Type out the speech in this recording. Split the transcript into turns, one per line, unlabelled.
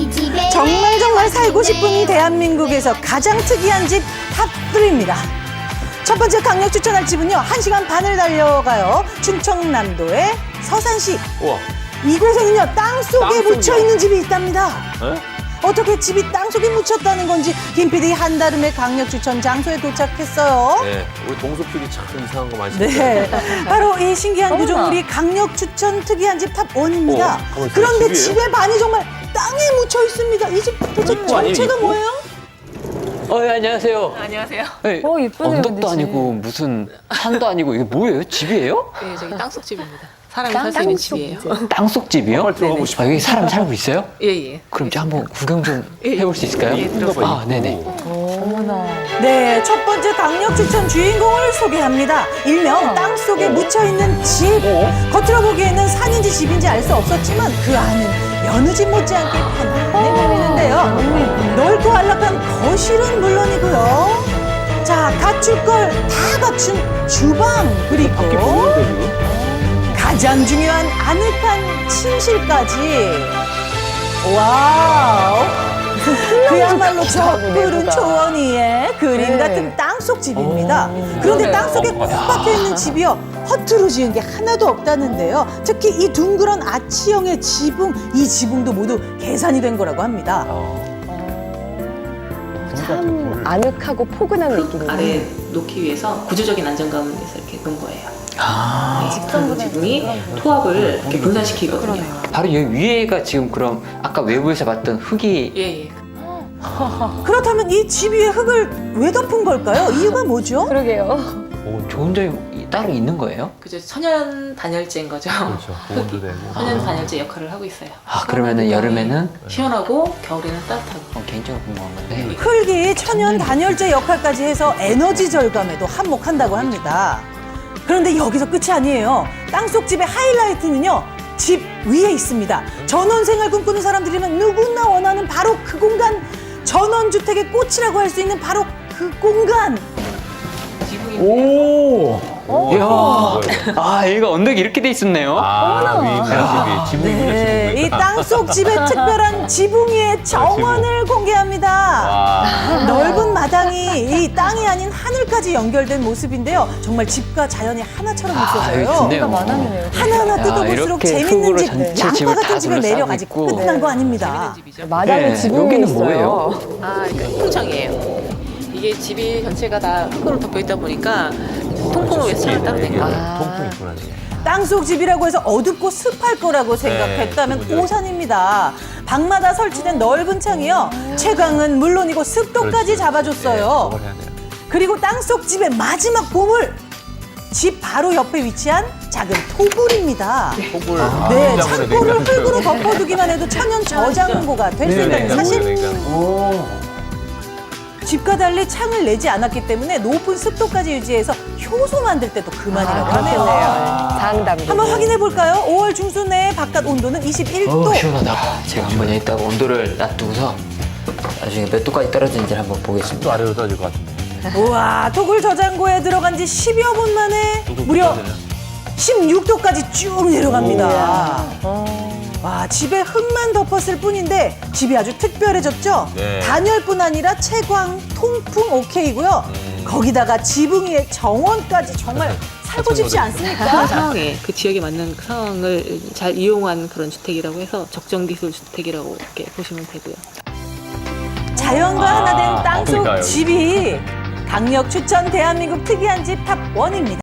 정말 살고 싶은 대한민국에서 가장 특이한 집 탑3입니다. 첫 번째 강력 추천할 집은요, 1시간 반을 달려가요. 충청남도의 서산시.
우와.
이곳에는요, 땅속에
땅속이요?
묻혀있는 집이 있답니다.
에?
어떻게 집이 땅속에 묻혔다는 건지 김PD 한달음의 강력 추천 장소에 도착했어요.
네, 우리 동수 PD 참 이상한 거 많이
네,
시켰어요.
바로 이 신기한 구조물이 강력 추천 특이한 집 탑1입니다.
가만있어요.
그런데
집이에요?
집의 반이 정말 땅에 묻혀 있습니다. 이 집 도대체
입구 아니에요,
정체가
입구?
뭐예요?
예, 안녕하세요.
안녕하세요.
네,
이쁘네요,
언덕도
근데
아니고 무슨 산도 아니고 이게 뭐예요? 집이에요?
네, 저기 땅속집입니다. 사람이 살 수 있는 집이에요.
땅속 집이요?
빨리 들어가고 싶어요.
여기 사람 살고 있어요?
예, 예.
그럼 저 한번 구경 좀 해볼 수 있을까요?
예, 들어가요.
아, 네네.
네, 첫 번째 강력 추천 주인공을 소개합니다. 일명 땅속에 묻혀있는 집. 겉으로 보기에는 산인지 집인지 알 수 없었지만 그 안은 여느 집 못지않게 편안해 보이는데요. 넓고 안락한 거실은 물론이고요. 자, 갖출 걸 다 갖춘 주방, 그리고 가장 중요한 아늑한 침실까지. 와우. 그야말로 저 푸른 초원 위에 그림 같은 땅속 집입니다. 그런데 땅속에 꼭 박혀 있는 집이요, 허투루 지은 게 하나도 없다는데요. 특히 이 둥그런 아치형의 지붕, 이 지붕도 모두 계산이 된 거라고 합니다.
참 아늑하고 포근한 느낌이네요.
아래 놓기 위해서 구조적인 안정감을 위해서 이렇게 놓은 거예요.
아,
네, 그런 지붕이 토합을 이렇게 분산시키거든요.
바로 여기 위에가 지금 그럼 아까 외부에서 봤던 흙이
예, 예.
그렇다면 이 집 위에 흙을 왜 덮은 걸까요? 이유가 뭐죠?
그러게요.
좋은 점이 따로 있는 거예요?
그죠. 천연 단열재인 거죠.
그렇죠. 보온도 되고.
천연 단열재 역할을 하고 있어요.
아, 그러면은 여름에는
시원하고 겨울에는 따뜻하고.
개인적으로 궁금한 건데
흙이 천연 단열재 역할까지 해서 에너지 절감에도 한몫한다고 합니다. 그런데 여기서 끝이 아니에요. 땅속 집의 하이라이트는요, 집 위에 있습니다. 전원생활 꿈꾸는 사람들이면 누구나 원하는 바로 그 공간, 전원주택의 꽃이라고 할 수 있는 바로 그 공간.
오! 이야,
뭐예요?
아, 여기가 언덕이 이렇게 돼 있었네요.
아, 위 있는 집이. 지붕이군요,
네,
지붕.
이 땅속 집의 특별한 지붕 위의 정원을 공개합니다.
와.
넓은 마당이 이 땅이 아닌 하늘까지 연결된 모습인데요. 정말 집과 자연이 하나처럼
아, 여기
느껴져요.
좋네요.
마당이네요.
하나하나
야,
뜯어볼수록
이렇게
재밌는
흙으로
집,
전체
양파
집을
같은
다
집을 매력
둘러싸고
아직
있고.
끝난 거 아닙니다.
재밌는 집이죠.
마당에
네,
지붕이
여기는
있어요.
뭐예요?
아, 그러니까 통창이에요. 이게 집이 전체가 다 흙으로 덮여 있다 보니까 통풍을 위해서 창을 따로 낸 거예요.
통풍 있구나.
땅속 집이라고 해서 어둡고 습할 거라고 생각했다면
그거죠.
오산입니다. 방마다 설치된 넓은 창이요, 채광은 물론이고 습도까지 잡아줬어요.
저걸 해야 돼요.
그리고 땅속 집의 마지막 보물, 집 바로 옆에 위치한 작은 토굴입니다.
폭을.
네, 창고를 흙으로 덮어두기만 해도 천연 저장고가 될 수 있다는 사실. 집과 달리 창을 내지 않았기 때문에 높은 습도까지 유지해서 효소 만들 때도 그만이라고 하네요.
장담.
한번 확인해 볼까요? 5월 중순 내 바깥 온도는 21도.
시원하다. 제가 한번 여기다가 온도를 놔두고서 나중에 몇 도까지 떨어지는지 한번 보겠습니다.
또 아래로 떨어질 것 같은데.
우와, 토굴 저장고에 들어간 지 10여 분 만에 무려 16도까지 쭉 내려갑니다. 와, 집에 흙만 덮었을 뿐인데 집이 아주 특별해졌죠?
네.
단열뿐 아니라 채광, 통풍 오케이고요. 거기다가 지붕 위에 정원까지 정말 살고 싶지 않습니까?
그 상황에 그 지역에 맞는 그 상황을 잘 이용한 그런 주택이라고 해서 적정기술 주택이라고 이렇게 보시면 되고요.
자연과 하나 된 땅속
그러니까요.
집이 강력 추천 대한민국 특이한 집 탑1입니다.